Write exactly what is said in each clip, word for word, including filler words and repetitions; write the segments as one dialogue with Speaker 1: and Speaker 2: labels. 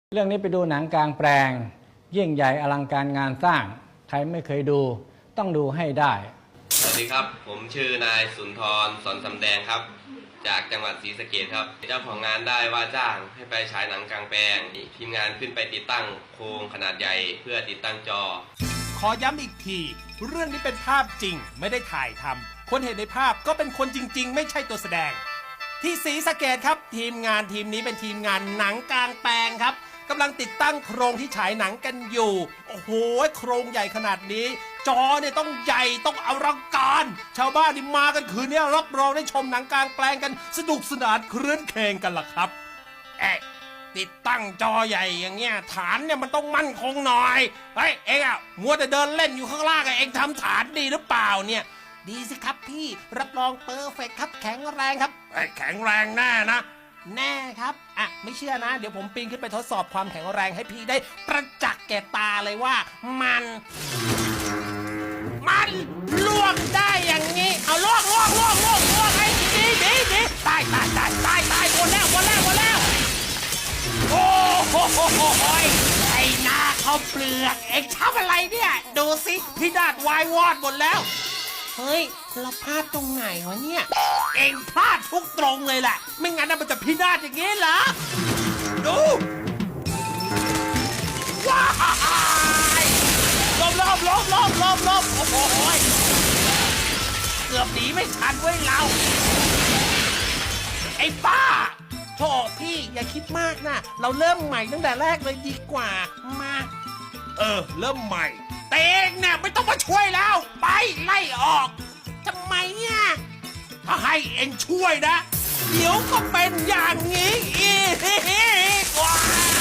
Speaker 1: เรื่องนี้ไปดูหนังกลางแปลงยิ่งใหญ่อลังการงานสร้างใครไม่เคยดูต้องดูให้ได้
Speaker 2: สวัสดีครับผมชื่อนายสุนทรสอนสำแดงครับจากจังหวัดศรีสะเกษครับเจ้าของงานได้ว่าจ้างให้ไปฉายหนังกลางแปลงทีมงานขึ้นไปติดตั้งโครงขนาดใหญ่เพื่อติดตั้งจอ
Speaker 3: ขอย้ำอีกทีเรื่องนี้เป็นภาพจริงไม่ได้ถ่ายทำคนเห็นในภาพก็เป็นคนจริงๆไม่ใช่ตัวแสดงที่ศรีสะเกษครับทีมงานทีมนี้เป็นทีมงานหนังกลางแปลงครับกำลังติดตั้งโครงที่ฉายหนังกันอยู่โอ้โหโครงใหญ่ขนาดนี้จอเนี่ยต้องใหญ่ต้องอลังการชาวบ้านนี่มากันคืนนี้รับรองได้ชมหนังกลางแปลงกันสนุกสนานครื้นเคงกันล่ะครับเอ๊ะติดตั้งจอใหญ่อย่างเงี้ยฐานเนี่ยมันต้องมั่นคงหน่อยเฮ้ยเอ็งอะมัวแต่เดินเล่นอยู่ข้างล่างเอ็งทำฐานดีหรือเปล่าเนี่ยดีสิครับพี่รับรองเปอร์เฟกต์ครับแข็งแรงครับแข็งแรงแน่นะแน่ครับอ่ะไม่เชื่อนะเดี๋ยวผมปีนขึ้นไปทดสอบความแข็งแรงให้พี่ได้ประจักษ์แก่ตาเลยว่ามันมันล่วงได้อย่างนี้เอาล่วงล่วงล่วงล่วงล่วงไอ้ดีดีดีตายตายตายตายตายหมดแล้วหมดแล้วหมดแล้วโอ้โหไอ้หน้าเขาเปลือกเอ็งทำอะไรเนี่ยดูสิพี่ดาดวายวอดหมดแล้วเฮ้ยเราพลาดตรงไหนวะเนี่ยเอ็งพลาดทุกตรงเลยแหละไม่งั้นมันจะพินาศอย่างงี้เหรอดูว้ายลบลบลบลบลบลบโอ้โหเกือบหนีไม่ทันเว้ยเราไอ้บ้าโธ่พี่อย่าคิดมากนะเราเริ่มใหม่ตั้งแต่แรกเลยดีกว่ามาเออเริ่มใหม่เต็งเนี่ยไม่ต้องมาช่วยแล้วไปไล่ออกทำไมเนี่ยถ้าให้เองช่วยนะเดี๋ยวก็เป็นอย่างนี้อีกว่า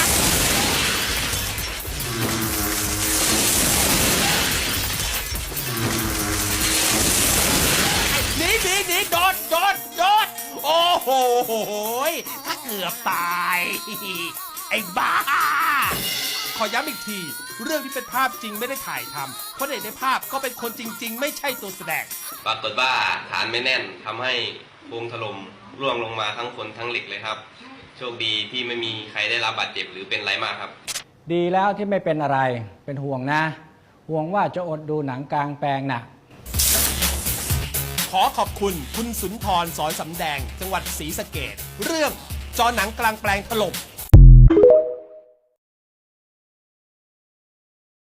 Speaker 3: หนีหนีหนีโดดโดดโดดโอ้โหถ้าเกือบตายไอ้บ้าขอย้ำอีกทีเรื่องที่เป็นภาพจริงไม่ได้ถ่ายทำคนเห็นในภาพก็เป็นคนจริงๆไม่ใช่ตัวแสดง
Speaker 2: ปรากฏว่าฐานไม่แน่นทำให้โครงถล่มร่วงลงมาทั้งคนทั้งเหล็กเลยครับโชคดีที่ไม่มีใครได้รับบาดเจ็บหรือเป็นไรมากครับ
Speaker 1: ดีแล้วที่ไม่เป็นอะไรเป็นห่วงนะห่วงว่าจะอดดูหนังกลางแปลงนะ
Speaker 3: ขอขอบคุณคุณสุนทรสอนสำแดงจังหวัดศรีสะเกษเรื่องจอหนังกลางแปลงถล่ม